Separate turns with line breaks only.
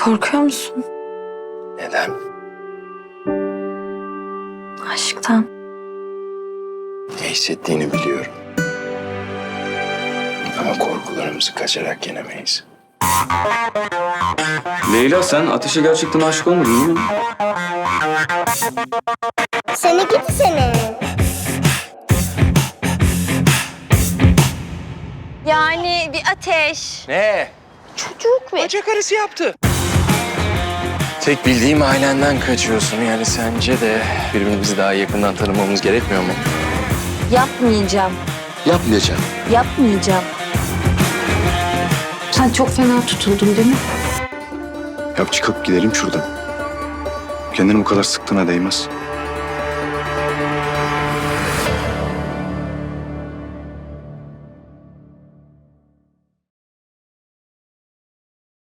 Korkuyor musun?
Neden?
Aşktan.
Ne hissettiğini biliyorum. Ama korkularımızı kaçarak yenemeyiz.
Leyla, sen Ateş'e gerçekten aşık olmadın değil mi?
Seni gidi seni.
Yani bir ateş.
Ne?
Çocuk ve...
Bacak arası yaptı. Tek bildiğim ailenden kaçıyorsun. Yani sence de birbirimizi daha yakından tanımamız gerekmiyor mu?
Yapmayacağım.
Yapmayacağım.
Yapmayacağım.
Sen çok fena tutuldun değil mi?
Ya çıkıp gidelim şuradan. Kendini bu kadar sıktığına değmez.